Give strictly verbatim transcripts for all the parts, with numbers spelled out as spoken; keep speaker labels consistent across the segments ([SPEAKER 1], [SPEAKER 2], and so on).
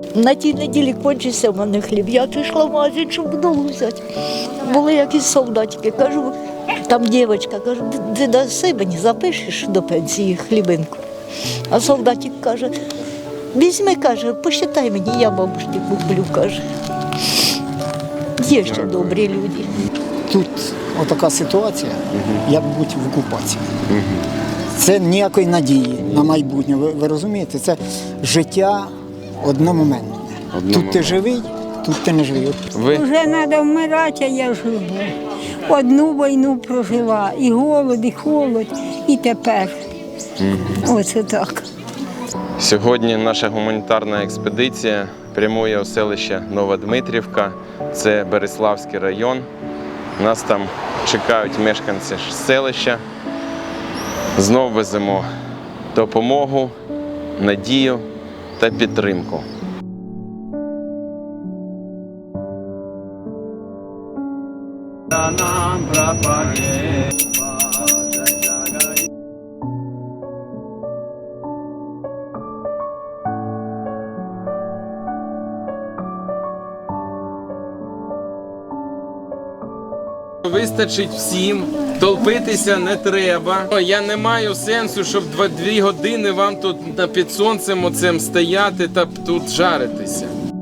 [SPEAKER 1] На тій неділі кончився в мене хліб. Я пішла в магазин, щоб вдома взяти. Були якісь солдатики. Кажу, там дівчинка, кажу, ти даси мені, запишеш до пенсії хлібинку. А солдатик каже, візьми, каже, посчитай мені, я бабушці куплю, каже. Є ще добрі люди.
[SPEAKER 2] Тут отака ситуація, як бути в окупації. Це ніякої надії на майбутнє, ви, ви розумієте? Це життя одномоментне. Тут ти живий, тут ти не живий.
[SPEAKER 3] Ви? Вже треба вмирати, а я живу. Одну війну прожила, і голод, і холод, і тепер. Mm-hmm. Оце так.
[SPEAKER 4] Сьогодні наша гуманітарна експедиція прямує у селище Новодмитрівка, це Береславський район. Нас там чекають мешканці селища. Знов веземо допомогу, надію та підтримку.
[SPEAKER 5] Вистачить всім, толпитися не треба. Я не маю сенсу, щоб дві години вам тут під сонцем оцем стояти та тут жаритися.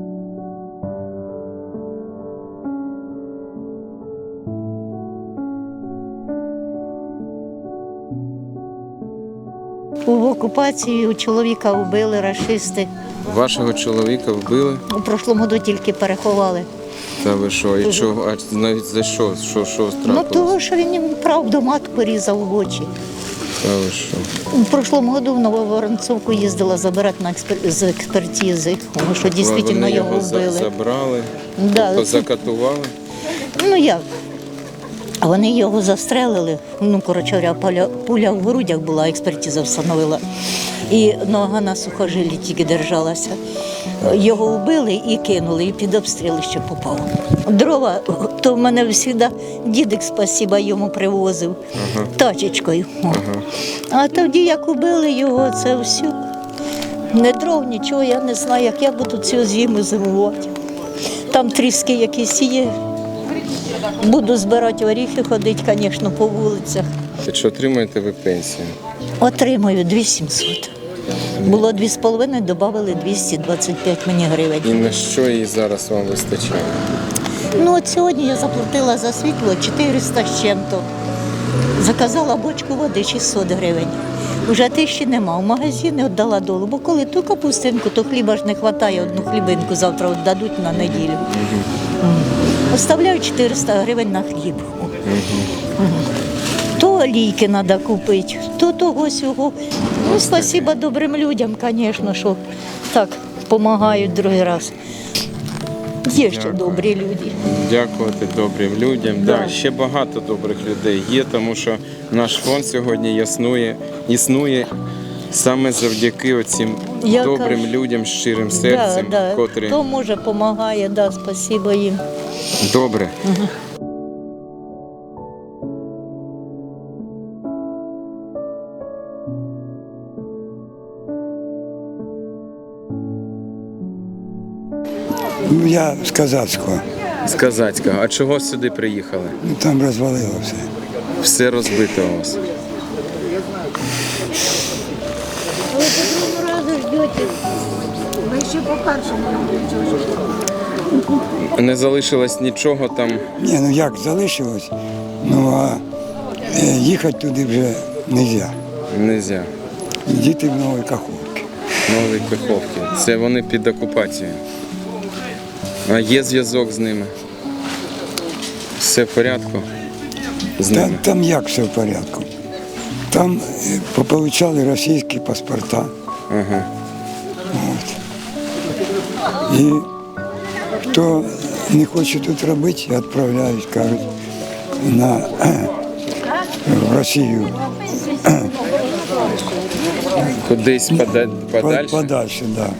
[SPEAKER 1] В окупації у чоловіка вбили рашисти.
[SPEAKER 5] Вашого чоловіка вбили?
[SPEAKER 1] У прошлому году тільки переховали.
[SPEAKER 5] Та ви що, і чого, а навіть за що, що, що трапилось?
[SPEAKER 1] Ну того, що він їм правду матку різав в очі.
[SPEAKER 5] Та ви що?
[SPEAKER 1] У прошлому году в Нововоронцовку їздила забирати на експер... з експертизи, тому що дійсно
[SPEAKER 5] Вони
[SPEAKER 1] його
[SPEAKER 5] його
[SPEAKER 1] вбили.
[SPEAKER 5] забрали,
[SPEAKER 1] Да.
[SPEAKER 5] тобто закатували?
[SPEAKER 1] Ну як? Вони його застрелили, ну, коротше говоря, пуля, пуля в грудях була, експертиза встановила. І нога на сухожилі тільки держалася. Його вбили і кинули, і під обстріли ще попав. Дрова, то в мене завжди дідик, спасіба, йому привозив ага. тачечкою. Ага. А тоді, як убили його, це все. Не дров, нічого, я не знаю, як я буду цю зиму зимувати. Там тріски якісь є. Буду збирати оріхи, ходити, звісно, по вулицях.
[SPEAKER 5] Чи отримуєте ви пенсію?
[SPEAKER 1] Отримую дві тисячі сімсот. Було дві з половиною, додали двісті двадцять п'ять мені гривень.
[SPEAKER 5] І на що її зараз вам вистачає?
[SPEAKER 1] Ну от сьогодні я заплатила за світло чотириста з чим-то. Заказала бочку води шістсот гривень. Уже тисячі нема. В магазині віддала долу, бо коли ту капустинку, то хліба ж не вистачає, одну хлібинку завтра віддадуть на неділю. Угу. Оставляю чотириста гривень на хліб. Угу. То олійки треба купити, то того-сього. Ну, спасибо добрим людям, звісно, що так допомагають другий раз. Є ще
[SPEAKER 5] Дякую.
[SPEAKER 1] добрі люди.
[SPEAKER 5] Дякувати добрим людям.
[SPEAKER 1] Да.
[SPEAKER 5] Да, ще багато добрих людей є, тому що наш фонд сьогодні існує, існує саме завдяки оцим
[SPEAKER 1] Я
[SPEAKER 5] добрим
[SPEAKER 1] кажу,
[SPEAKER 5] людям з щирим серцем,
[SPEAKER 1] да, да.
[SPEAKER 5] котрі...
[SPEAKER 1] Хто може, допомагає, да, спасибо їм.
[SPEAKER 5] Добре.
[SPEAKER 1] Угу.
[SPEAKER 6] Ну, я з Казацького.
[SPEAKER 5] З Казацького. А чого сюди приїхали?
[SPEAKER 6] Ну, там розвалило все.
[SPEAKER 5] Все розбито у вас.
[SPEAKER 3] Ви по другому разу ждете. Ви ще по першому разу.
[SPEAKER 5] Не залишилось нічого там?
[SPEAKER 6] Ні, ну як залишилось, ну а е, їхати туди вже не можна.
[SPEAKER 5] Нельзя.
[SPEAKER 6] Діти в Новій Каховці.
[SPEAKER 5] Нові Каховки. Це вони під окупацією. А є зв'язок з ними? Все в порядку з
[SPEAKER 6] Там,
[SPEAKER 5] ними?
[SPEAKER 6] там як все в порядку? Там е, пополучали російські паспорта.
[SPEAKER 5] Ага.
[SPEAKER 6] От. І хто не хоче тут робити, відправляють, кажуть, на, в Росію.
[SPEAKER 5] Кудись пода... подальше?
[SPEAKER 6] Подальше, так. Да.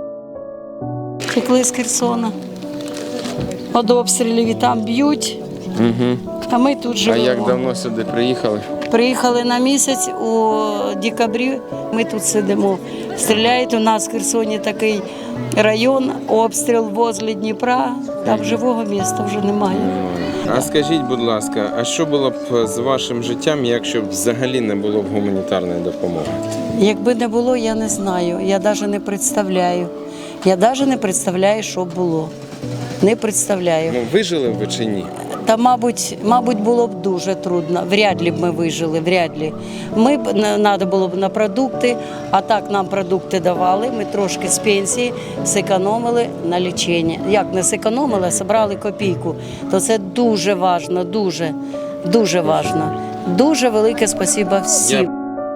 [SPEAKER 7] Втекли з Херсона. Від обстрілів і там б'ють,
[SPEAKER 4] Угу.
[SPEAKER 7] А ми тут
[SPEAKER 4] А
[SPEAKER 7] живемо.
[SPEAKER 4] як давно сюди приїхали?
[SPEAKER 7] Приїхали на місяць у декабрі. Ми тут сидимо. Стріляють у нас в Херсоні такий район, обстріл возле Дніпра. Там живого міста вже немає.
[SPEAKER 4] А скажіть, будь ласка, а що було б з вашим життям, якщо б взагалі не було б гуманітарної допомоги?
[SPEAKER 7] Якби не було, я не знаю. Я навіть не представляю. Я навіть не представляю, що було. Не представляю.
[SPEAKER 4] Ну, вижили б ви чи ні?
[SPEAKER 7] Та, мабуть, мабуть, було б дуже трудно. Вряд ли б ми вижили, вряд ли. Ми б треба було б на продукти, а так нам продукти давали. Ми трошки з пенсії зекономили на лічення. Як не зекономили, а зібрали копійку. То це дуже важливо, дуже, дуже важливо. Дуже велике спасибо всім.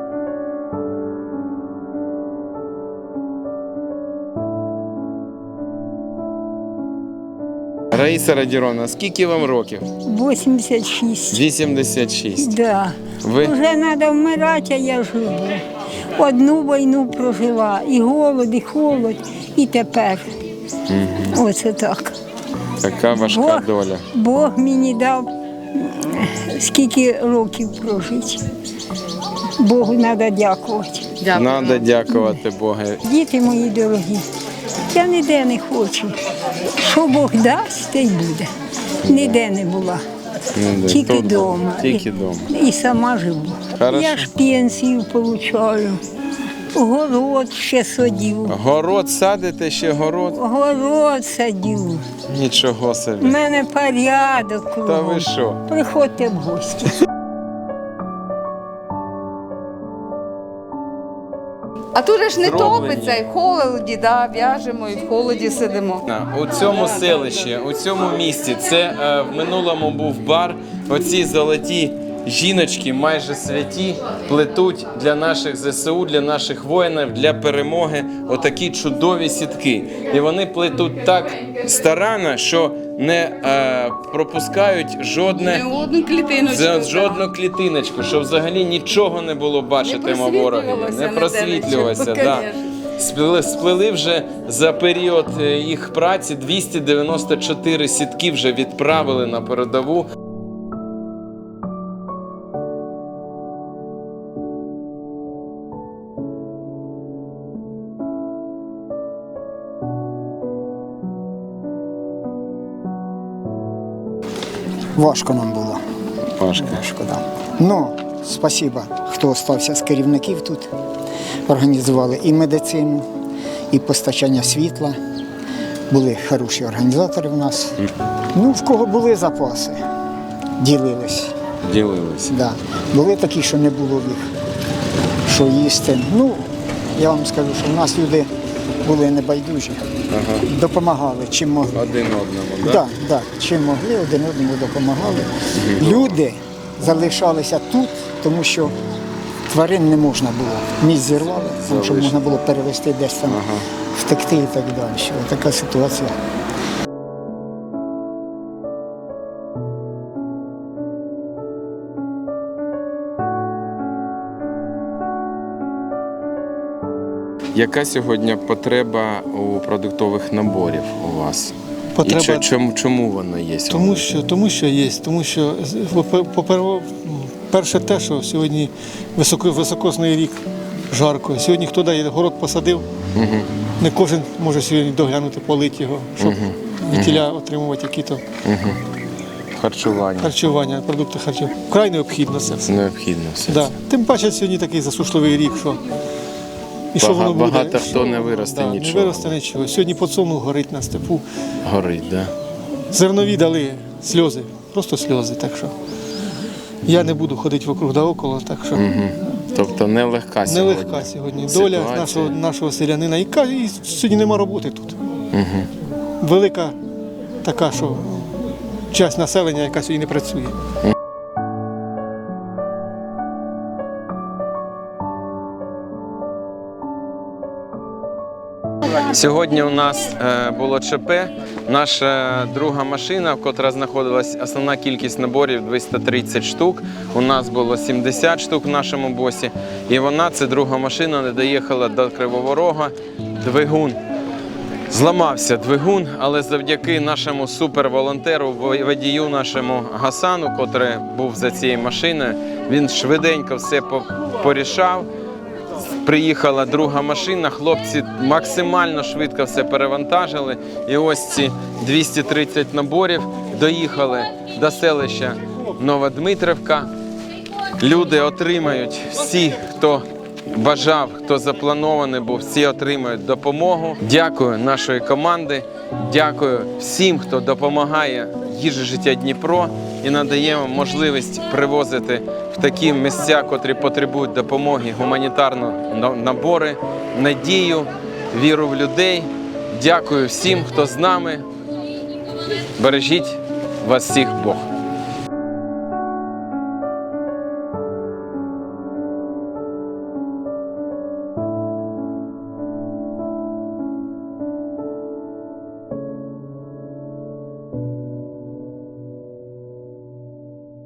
[SPEAKER 4] Раїса Радіровна, скільки вам років?
[SPEAKER 3] вісімдесят шість.
[SPEAKER 4] вісімдесят шість.
[SPEAKER 3] Да.
[SPEAKER 4] Ви
[SPEAKER 3] Вже треба вмирати, а я живу. Одну війну прожила, і голод, і холод, і тепер. Оце так.
[SPEAKER 4] така важка
[SPEAKER 3] Бог,
[SPEAKER 4] доля.
[SPEAKER 3] Бог мені дав м, скільки років прожити. Богу треба дякувати.
[SPEAKER 4] Надо дякувати Богу.
[SPEAKER 3] Діти мої дорогі, я ніде не хочу. Що Бог дасть, те й буде. Ніде не була.
[SPEAKER 4] Ну, да.
[SPEAKER 3] Тільки
[SPEAKER 4] Тут
[SPEAKER 3] вдома.
[SPEAKER 4] Тільки
[SPEAKER 3] І-
[SPEAKER 4] вдома.
[SPEAKER 3] І сама живу.
[SPEAKER 4] Хорошо.
[SPEAKER 3] Я ж пенсію получаю. Город ще садів.
[SPEAKER 4] Город садите, ще город?
[SPEAKER 3] Город садів.
[SPEAKER 4] Нічого
[SPEAKER 3] У
[SPEAKER 4] собі.
[SPEAKER 3] мене порядок
[SPEAKER 4] Та
[SPEAKER 3] кругом.
[SPEAKER 4] ви що?
[SPEAKER 3] Приходьте в гості.
[SPEAKER 8] А тут же ж не
[SPEAKER 4] Зроблені.
[SPEAKER 8] топиться, і в холоді, да, в'яжемо, і в холоді сидимо.
[SPEAKER 4] У цьому селищі, у цьому місті, це е, в минулому був бар. Оці золоті жіночки, майже святі, плетуть для наших зе се у, для наших воїнів, для перемоги отакі чудові сітки. І вони плетуть так старанно, що не е, пропускають жодне.
[SPEAKER 8] Не одну клітиночку.
[SPEAKER 4] За
[SPEAKER 8] так.
[SPEAKER 4] жодну клітиночку, щоб взагалі нічого не було бачитиме ворогів.
[SPEAKER 8] просвітлювалося
[SPEAKER 4] Не
[SPEAKER 8] ніде
[SPEAKER 4] просвітлювалося.
[SPEAKER 8] нічого,
[SPEAKER 4] Да.
[SPEAKER 8] конечно.
[SPEAKER 4] Сплели, сплели вже за період е, їх праці двісті дев'яносто чотири сітки вже відправили на передову.
[SPEAKER 2] Важко нам було.
[SPEAKER 4] Важко.
[SPEAKER 2] Важко, да. Ну, спасіба, хто залишився з керівників тут. Організували і медицину, і постачання світла. Були хороші організатори в нас. Ну, в кого були запаси, ділились.
[SPEAKER 4] Ділилися.
[SPEAKER 2] Да. Були такі, що не було в їх, що їсти. Ну, я вам скажу, що в нас люди були небайдужі,
[SPEAKER 4] Ага.
[SPEAKER 2] допомагали, чим могли.
[SPEAKER 4] Один одному,
[SPEAKER 2] Так,
[SPEAKER 4] так?
[SPEAKER 2] да, да, чим могли, один одному допомагали. Люди залишалися тут, тому що тварин не можна було. Місць зірвали, тому що можна було перевезти десь там,
[SPEAKER 4] Ага.
[SPEAKER 2] втекти і так далі. Ось така ситуація.
[SPEAKER 4] Яка сьогодні потреба у продуктових наборів у вас?
[SPEAKER 9] Потреба-
[SPEAKER 4] І чо- чому, чому воно є?
[SPEAKER 9] Тому що, тому що є, тому що по перше те, що сьогодні високо, високосний рік, жарко. Сьогодні хто дає город посадив,
[SPEAKER 4] Угу.
[SPEAKER 9] не кожен може сьогодні доглянути, полити його, щоб від тіля отримувати які-то
[SPEAKER 4] Угу. Харчування.
[SPEAKER 9] харчування, продукти харчування. Вкрай необхідно це все.
[SPEAKER 4] Необхідно все.
[SPEAKER 9] Да.
[SPEAKER 4] це.
[SPEAKER 9] Тим паче сьогодні такий засушливий рік, що і що
[SPEAKER 4] Бага-
[SPEAKER 9] воно буде?
[SPEAKER 4] багато
[SPEAKER 9] Що-
[SPEAKER 4] хто не виросте
[SPEAKER 9] да,
[SPEAKER 4] нічого.
[SPEAKER 9] Не виросте нічого. Сьогодні подсолнух горить на степу.
[SPEAKER 4] Горить, так? Да?
[SPEAKER 9] Зернові дали сльози, просто сльози. Так що я не буду ходити вокруг да около, так що
[SPEAKER 4] Угу. Тобто нелегка сьогодні.
[SPEAKER 9] нелегка сьогодні доля
[SPEAKER 4] ситуація.
[SPEAKER 9] нашого, нашого селянина. І, ка- і сьогодні нема роботи тут.
[SPEAKER 4] Угу.
[SPEAKER 9] Велика така, що часть населення, яка сьогодні не працює.
[SPEAKER 4] Сьогодні у нас е, було ЧП. Наша друга машина, в котра знаходилась основна кількість наборів двісті тридцять штук. У нас було сімдесят штук в нашому босі. І вона, це друга машина, не доїхала до Кривого Рога. Двигун Зламався двигун, але завдяки нашому суперволонтеру, водію нашому Гасану, котрий був за цією машиною, він швиденько все по- порішав. Приїхала друга машина, хлопці максимально швидко все перевантажили. І ось ці двісті тридцять наборів доїхали до селища Новодмитрівка. Люди отримають, всі, хто бажав, хто запланований був, всі отримають допомогу. Дякую нашої команди, дякую всім, хто допомагає їжі життя Дніпро і надаємо можливість привозити в такі місця, котрі потребують допомоги, гуманітарні набори, надію, віру в людей. Дякую всім, хто з нами. Бережіть вас всіх Бог.